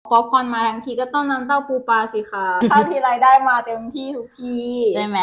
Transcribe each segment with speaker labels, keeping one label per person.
Speaker 1: ป๊อปคอร์นมาทั้งทีก็ต้องน้ำเต้าปูปลาสิคะข้าวทีไรได้มาเต็มที่ทุกที
Speaker 2: ใช่ไหม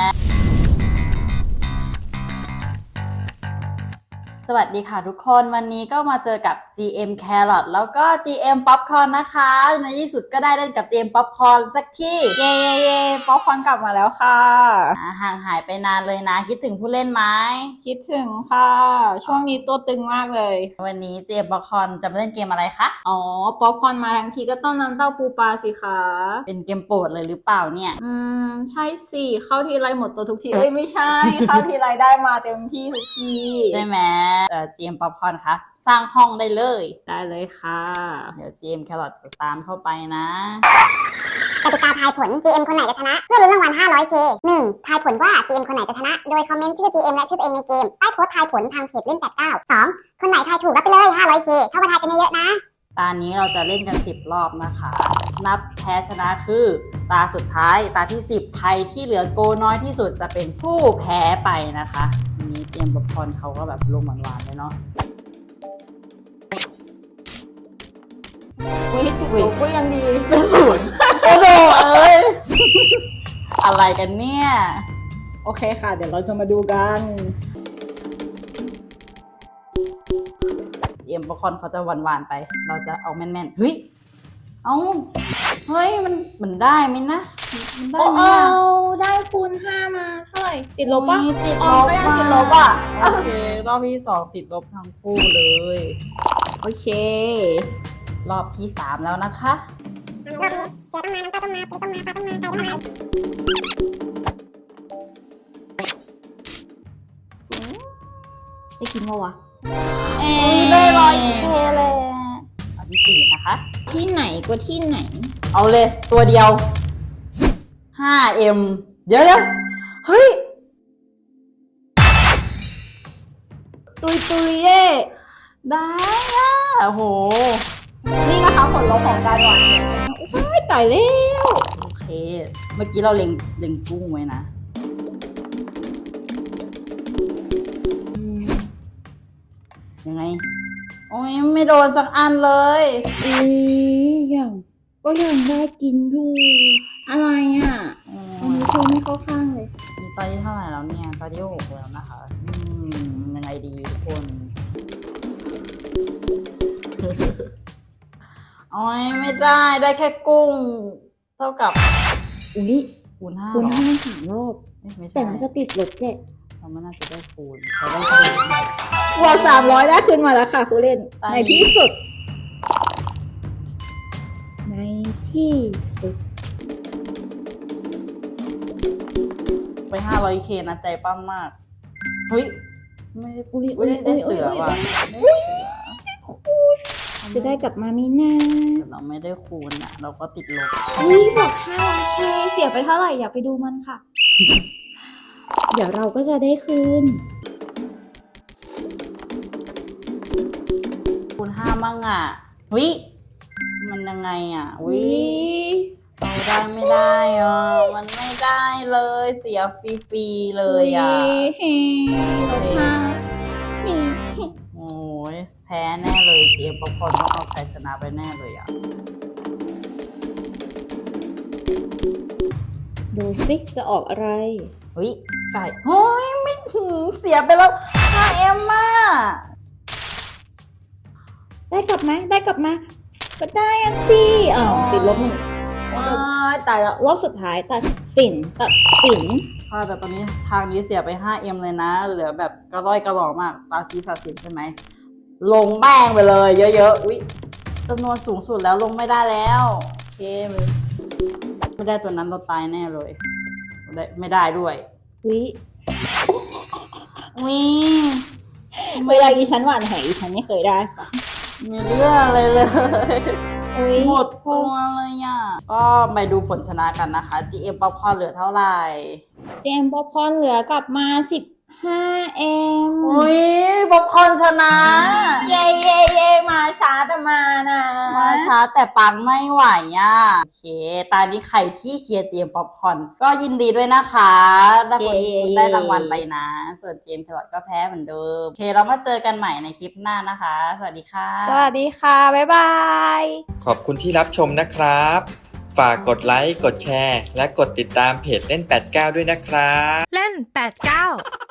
Speaker 2: สวัสดีค่ะทุกคนวันนี้ก็มาเจอกับ GM Carrot แล้วก็ GM Popcorn นะคะในที่สุดก็ได้เล่นกับ GM Popcorn สักที
Speaker 1: เย่ป๊อปคอร์นกลับมาแล้วค่ะ
Speaker 2: ห่างหายไปนานเลยนะคิดถึงผู้เล่นไหม
Speaker 1: คิดถึงค่ะ ช่วงนี้ตัวตึงมากเลย
Speaker 2: วันนี้ GM Popcorn จะมาเล่นเกมอะไรคะ
Speaker 1: อ๋อป๊อปคอร์นมาทั้งทีก็ต้องน้ำเต้าปูปลาสิคะ
Speaker 2: เป็นเกมโปรดเลยหรือเปล่าเนี่ย
Speaker 1: ใช่สิเข้าทีไรหมดตัวทุกทีเอ้ยไม่ใช่ เข้าทีไรได้มาเต็มที่ทุกที
Speaker 2: ใช่ไหมGM Popcorn คะสร้างห้องได้เลย
Speaker 1: ได้เลยค่ะ
Speaker 2: เดี๋ยว GM Carrot จะตามเข้าไปนะ
Speaker 3: กติกาทายผล GM คนไหนจะชนะ เพื่อลุ้นรางวัล 500K 1. ทายผลว่า GM คนไหนจะชนะ โดยคอมเมนต์ชื่อ GM และชื่อตัวเองในเกม ใต้โพสต์ทายผลทางเพจเล่น89 2. คนไหนทายถูกรับไปเลย 500K เข้ามาทายกันเยอะๆนะ
Speaker 2: ตานี้เราจะเล่นกัน10รอบนะคะ นับแพ้ชนะคือตาสุดท้ายตาที่10ใครที่เหลือโกน้อยที่สุดจะเป็นผู้แพ้ไปนะคะอันนี้เจมส์ Popcorn เขาก็แบบลงหวานๆเลยเนาะ
Speaker 1: วิติดลบก็ยังดี
Speaker 2: เป็นศูนย์โอ้โหเอ้ย อะไรกันเนี่ย
Speaker 1: โอเคค่ะ เดี๋ยวเราจะมาดูกัน
Speaker 2: เจมส์ Popcorn เขาจะหวานๆไป เราจะเอาแม่นๆเฮ้ยเฮ้ยมันได้ไหมนะมันได้
Speaker 1: โอ้
Speaker 2: ไหม
Speaker 1: เอา
Speaker 2: อะ
Speaker 1: ได้คูณ5มาเท่าไหร่ติดลบปะ
Speaker 2: อุ๊ยติด
Speaker 1: อ๋
Speaker 2: ล
Speaker 1: อบ ก็ยังติดลบอ่ะ
Speaker 2: โอเครอบที่2ติดลบทั้งคู่เลย
Speaker 1: โอเค
Speaker 2: รอบที่3แล้วนะคะ
Speaker 3: รอบนี้เสือต้องมา น้ำตาต้องมา ปูต้องมา ปลาต้องมา ไก่ต้องมา
Speaker 1: ได้กินปะวะ
Speaker 2: ได้100K เลยรอบที่4นะคะ
Speaker 1: ที่ไหนก็ที่ไหน
Speaker 2: เอาเลยตัวเดียว 5M เดี๋ยวเฮ้ย
Speaker 1: ตุยเย่
Speaker 2: ได้อะโอ้โห
Speaker 1: นี่นะคะผลลัพธ์ของการหวานโอ้ยตายแล้ว
Speaker 2: โอเค เมื่อกี้เราเล็งกุ้งไว้นะยังไง โอ้ยไม่โดนสักอันเลย
Speaker 1: อย่างก็ยังได้กินอยู่ อะไรอ่ะ อันนี้โชว์ไม่เข้าข้างเลย
Speaker 2: มีตอนที่เท่าไหร่แล้วเนี่ยตอนที่6แล้วนะคะยังไงดีทุกคน โอ้ยไม่ได้แค่กุ้ง เท่ากับ
Speaker 1: อุ้ย
Speaker 2: คูณ5
Speaker 1: คูณ
Speaker 2: เหรอ
Speaker 1: 5 3 รอบ
Speaker 2: ไม่ใช่
Speaker 1: แต่มันจะติดลบแกะ
Speaker 2: เราไม่น่าจะได้คูณเราได้คูณ
Speaker 1: บวก300ได้ขึ้นมาแล้วค่ะผู้เล่น
Speaker 2: ตอนนี้
Speaker 1: ในที่สุด ในที่สุด
Speaker 2: ไป 500K นะใจปั้มมาก เฮ้ย ไม่ได้พูดได้เสือว่ะ
Speaker 1: จะได้กลับมามีนา
Speaker 2: แต่เราไม่ได้คูณอ่ะ เราก็ติดลบ
Speaker 1: อุ้ยบวก500K เสียไปเท่าไหร่อยากไปดูมันค่ะ เดี๋ยวเราก็จะได้คืน
Speaker 2: คูณ5มั่งอ่ะวิมันยังไงอ่ะวิเราได้ไม่ได้อ่ะ มันไม่ได้เลย เสียฟรีๆเลยอ่ะ
Speaker 1: เฮ้ลบห้า
Speaker 2: โอ้ยแพ้แน่เลยเกมป๊อปคอร์นต้องเอาชัยชนะไปแน่เลยอ่ะ
Speaker 1: ดูสิจะออกอะไร
Speaker 2: เฮ้ยไก่เฮ้ยไม่ถึงเสียไปแล้ว 5M อ่ะ
Speaker 1: ได้กลับไหมได้กลับมา ก็ได้อะสิอ้าวติดลบ1ว้ายตายแล้วรอบสุดท้ายตัดสิน
Speaker 2: ค่ะแต่ตอนนี้ทางนี้เสียไป 5M เลยนะ เหลือแบบกระร่อยกระหล่อมากตาซีสาสินใช่ไหม ลงแป้งไปเลยเยอะๆ อุ๊ยจำนวนสูงสุดแล้วลงไม่ได้แล้วโอเคไม่ได้ตัวนั้นเราตายแน่เลยไม่ได้ด้วย
Speaker 1: วิ
Speaker 2: วิ
Speaker 1: เวลาอีฉันหวานแหอีฉันไม่เคยได้ค่ะ
Speaker 2: มีเรื่องอะไรเลย
Speaker 1: อุ๊ย
Speaker 2: หมดตัวเลยอ่ะ ก็ไปดูผลชนะกันนะคะ GM Popcorn เหลือเท่าไหร่
Speaker 1: เจมส์ป๊อปคอร์นเหลือกลับมา 5M
Speaker 2: อุ้ยป๊อปคอร์นชนะ
Speaker 1: เย่เย่เย่มาช้าแต่มานะ
Speaker 2: มาช้าแต่ปังไม่ไหวอ่ะโอเคตอนนี้ใครที่เชียร์เจมป๊อปคอร์นก็ยินดีด้วยนะคะได้คุณได้รางวัลไปนะ ส่วนเจมแครอทก็แพ้เหมือนเดิมโอเคเรามาเจอกันใหม่ในคลิปหน้านะคะ สวัสดีค่ะ
Speaker 1: สวัสดีค่ะ บ๊ายบาย
Speaker 4: ขอบคุณที่รับชมนะครับ ฝากกดไลค์ กดแชร์ และกดติดตามเพจเล่น 89 ด้วยนะครับ
Speaker 5: เล่น 89